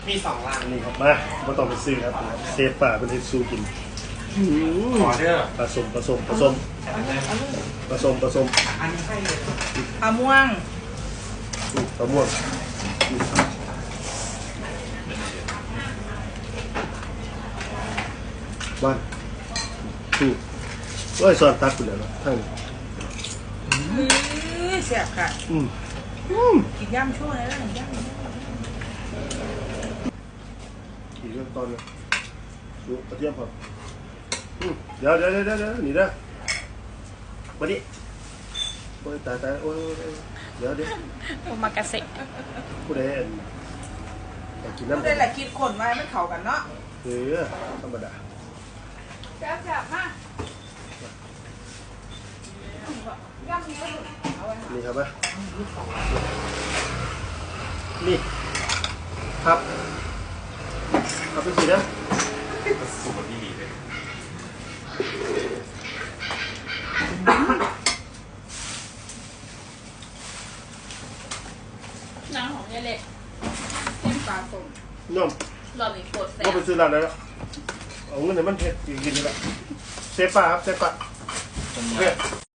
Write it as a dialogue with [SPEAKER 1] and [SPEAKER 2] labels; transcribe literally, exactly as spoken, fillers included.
[SPEAKER 1] มีสองร้าน
[SPEAKER 2] นี่ครับมาไม่ต้องไปซื้อครับเซฟป่าเป็นเฮซูกิน
[SPEAKER 1] ขอเด้อ
[SPEAKER 2] ผสมผสมผสมผสมผสม
[SPEAKER 1] อันนี้ให้เลย
[SPEAKER 3] มะม่วง
[SPEAKER 2] มะม่วงวันถูกว่าซอนตักไปแล้วทั้ง
[SPEAKER 3] เสียบค่ะ
[SPEAKER 2] อืม
[SPEAKER 3] กินย่ำช่วงไหนแล้วย่ำ
[SPEAKER 2] อีกเรื่องตอนนึงดูกระเทียมพอเดี๋ยวเดี๋ยวเดี๋ยวเดี๋ยวหนีได้มาดิโอ้ยตายตายโอ้ยเดี๋ยวเดี๋ยว
[SPEAKER 3] โอมากาเสะ
[SPEAKER 2] ผู้ใดอยากกินน้ำ
[SPEAKER 3] ผู้ใดแหละคิดคนไว้ไม่เข้ากันเนาะ
[SPEAKER 2] เออธรรมดา
[SPEAKER 3] แซ่บแซ่บมากย่ำนี้
[SPEAKER 2] นี่ครับไหมนี่ครับครับเป็นสีนะ
[SPEAKER 1] สูตรดีเลย
[SPEAKER 4] น้ำของยายเล็กเส้นปลาส้ม
[SPEAKER 2] น้อง
[SPEAKER 4] รอบนี้โคตรแซ่บ
[SPEAKER 2] ก็ไปซื้อร้านไหนแล้วเอาเงินไหนมันเผ็ดกินนี่แหละเซฟป่ะครับเซฟป่ะ